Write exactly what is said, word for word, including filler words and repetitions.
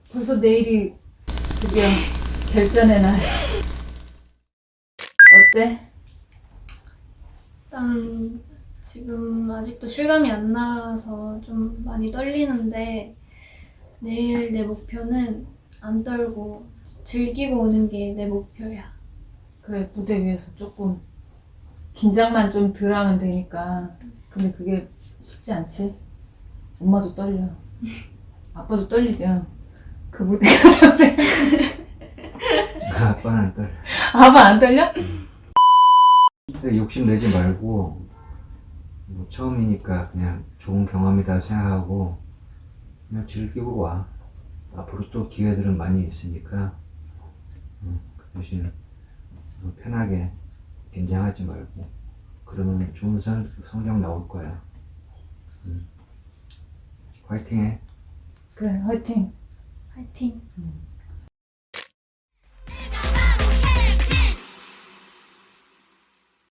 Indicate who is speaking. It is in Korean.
Speaker 1: 벌써 내일이 드디어 결전의 날. 어때?
Speaker 2: 일단 지금 아직도 실감이 안 나서 좀 많이 떨리는데 내일 내 목표는 안 떨고 즐기고 오는 게 내 목표야.
Speaker 1: 그래, 무대 위에서 조금 긴장만 좀 덜 하면 되니까. 근데 그게 쉽지 않지. 엄마도 떨려. 아빠도 떨리죠. 그 무대가
Speaker 3: 아빠는 안 떨려.
Speaker 1: 아빠 안 떨려?
Speaker 3: 욕심 내지 말고 뭐 처음이니까 그냥 좋은 경험이다 생각하고 그냥 즐기고 와. 앞으로 또 기회들은 많이 있으니까 음, 그 대신 뭐 편하게 긴장하지 말고 그러면 좋은 성, 성적 나올 거야. 음. 화이팅해.
Speaker 1: 그래, 화이팅.